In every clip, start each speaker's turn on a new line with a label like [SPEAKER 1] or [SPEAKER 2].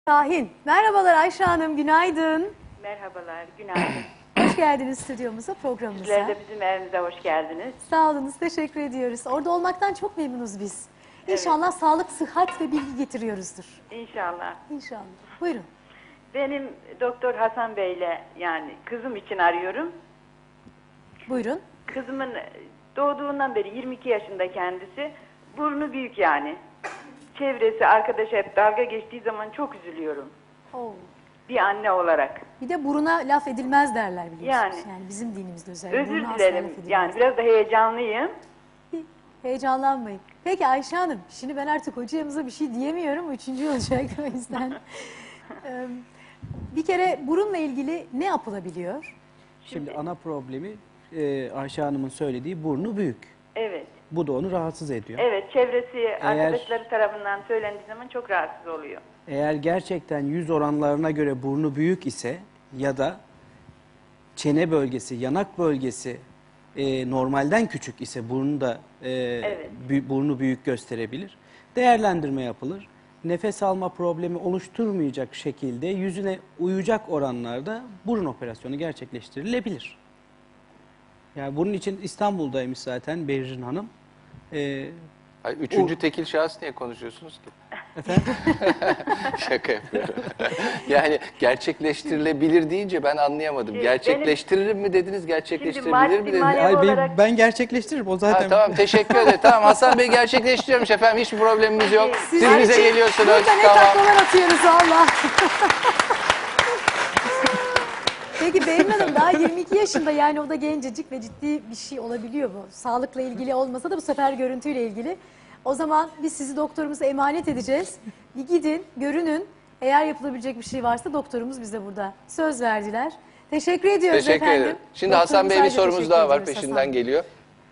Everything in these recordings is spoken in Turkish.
[SPEAKER 1] Şahin. Merhabalar Ayşe Hanım, günaydın.
[SPEAKER 2] Merhabalar, günaydın.
[SPEAKER 1] Hoş geldiniz stüdyomuza, programımıza.
[SPEAKER 2] Sizler de bizim evimize hoş geldiniz.
[SPEAKER 1] Sağ olunuz, teşekkür ediyoruz. Orada olmaktan çok memnunuz biz. İnşallah sağlık, sıhhat ve bilgi getiriyoruzdur.
[SPEAKER 2] İnşallah.
[SPEAKER 1] İnşallah. Buyurun.
[SPEAKER 2] Benim Doktor Hasan Bey'le yani kızım için arıyorum.
[SPEAKER 1] Buyurun.
[SPEAKER 2] Kızımın doğduğundan beri 22 yaşında kendisi. Burnu büyük yani. Çevresi, arkadaşı hep dalga geçtiği zaman çok üzülüyorum.
[SPEAKER 1] Oo.
[SPEAKER 2] Bir anne olarak.
[SPEAKER 1] Bir de buruna laf edilmez derler biliyorsunuz.
[SPEAKER 2] Yani.
[SPEAKER 1] Yani bizim dinimizde özellikle.
[SPEAKER 2] Özür
[SPEAKER 1] Buruna asla
[SPEAKER 2] dilerim.
[SPEAKER 1] laf edilmez.
[SPEAKER 2] Yani biraz da heyecanlıyım.
[SPEAKER 1] Heyecanlanmayın. Peki Ayşe Hanım, şimdi ben artık hocamıza bir şey diyemiyorum. Üçüncü olacak o yüzden. Bir kere burunla ilgili ne yapılabiliyor?
[SPEAKER 3] Şimdi ana problemi Ayşe Hanım'ın söylediği burnu büyük.
[SPEAKER 2] Evet.
[SPEAKER 3] Bu da onu rahatsız ediyor.
[SPEAKER 2] Evet, çevresi, arkadaşları tarafından söylendiği zaman çok rahatsız oluyor.
[SPEAKER 3] Eğer gerçekten yüz oranlarına göre burnu büyük ise ya da çene bölgesi, yanak bölgesi normalden küçük ise burnu da
[SPEAKER 2] Evet.
[SPEAKER 3] burnu büyük gösterebilir. Değerlendirme yapılır. Nefes alma problemi oluşturmayacak şekilde yüzüne uyacak oranlarda burun operasyonu gerçekleştirilebilir. Yani bunun için İstanbul'daymış zaten Berrin Hanım.
[SPEAKER 4] Hayır, üçüncü tekil şahıs niye konuşuyorsunuz ki?
[SPEAKER 3] Efendim?
[SPEAKER 4] Şaka yapıyorum. Yani gerçekleştirilebilir deyince ben anlayamadım.
[SPEAKER 2] Benim-
[SPEAKER 4] Gerçekleştirilir mi dediniz, gerçekleştirilir
[SPEAKER 2] maddi
[SPEAKER 4] mi dediniz?
[SPEAKER 2] manevi-
[SPEAKER 3] Ay,
[SPEAKER 2] olarak-
[SPEAKER 3] ben gerçekleştiririm o zaten.
[SPEAKER 4] Ha, tamam, teşekkür ederim. Tamam, Hasan Bey gerçekleştiriyormuş efendim. Hiçbir problemimiz yok. Siz
[SPEAKER 1] Sizin
[SPEAKER 4] bize
[SPEAKER 1] için
[SPEAKER 4] geliyorsunuz.
[SPEAKER 1] Burada ne
[SPEAKER 4] Tamam.
[SPEAKER 1] taklalar atıyoruz valla. Peki Berin Hanım daha 22 yaşında, yani o da gencecik ve ciddi bir şey olabiliyor bu. Sağlıkla ilgili olmasa da bu sefer görüntüyle ilgili. O zaman biz sizi doktorumuza emanet edeceğiz. Bir gidin, görünün. Eğer yapılabilecek bir şey varsa doktorumuz bize burada söz verdiler. Teşekkür ediyoruz
[SPEAKER 4] Teşekkür
[SPEAKER 1] efendim.
[SPEAKER 4] ederim. Şimdi Hasan Bey bir
[SPEAKER 1] Doktorumuza
[SPEAKER 4] sorumuz
[SPEAKER 1] teşekkür
[SPEAKER 4] daha var,
[SPEAKER 1] ediyoruz
[SPEAKER 4] peşinden
[SPEAKER 1] Hasan Bey.
[SPEAKER 4] geliyor.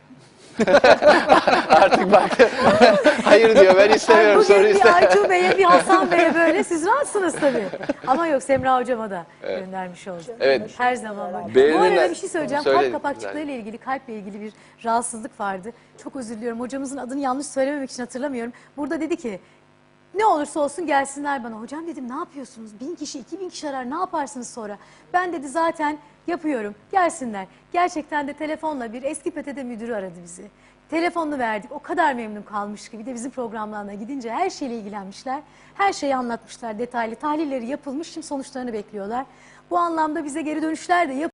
[SPEAKER 4] Artık baktı. Hayır diyor, ben istemiyorum, soru
[SPEAKER 1] Bugün bir
[SPEAKER 4] istemiyorum.
[SPEAKER 1] Aytuğ Bey'e, bir Hasan Bey'e böyle siz rahatsınız tabii. Ama yok, Semra Hocam'a da göndermiş olduk.
[SPEAKER 4] Evet.
[SPEAKER 1] Her zaman var. Bu
[SPEAKER 4] Berin'in-
[SPEAKER 1] arada bir şey söyleyeceğim.
[SPEAKER 4] Söyle,
[SPEAKER 1] Kalp kapakçıklarıyla ilgili, kalple ilgili bir rahatsızlık vardı. Çok özür diliyorum. Hocamızın adını yanlış söylememek için hatırlamıyorum. Burada dedi ki, ne olursa olsun gelsinler bana. Hocam dedim, ne yapıyorsunuz? 1000 kişi, 2000 kişi arar, ne yaparsınız sonra? Ben dedi zaten yapıyorum, gelsinler. Gerçekten de telefonla bir eski PTT müdürü aradı bizi. Telefonunu verdik, o kadar memnun kalmış ki. Bir de bizim programlarına gidince her şeyle ilgilenmişler. Her şeyi anlatmışlar detaylı. Tahlilleri yapılmış, şimdi sonuçlarını bekliyorlar. Bu anlamda bize geri dönüşler de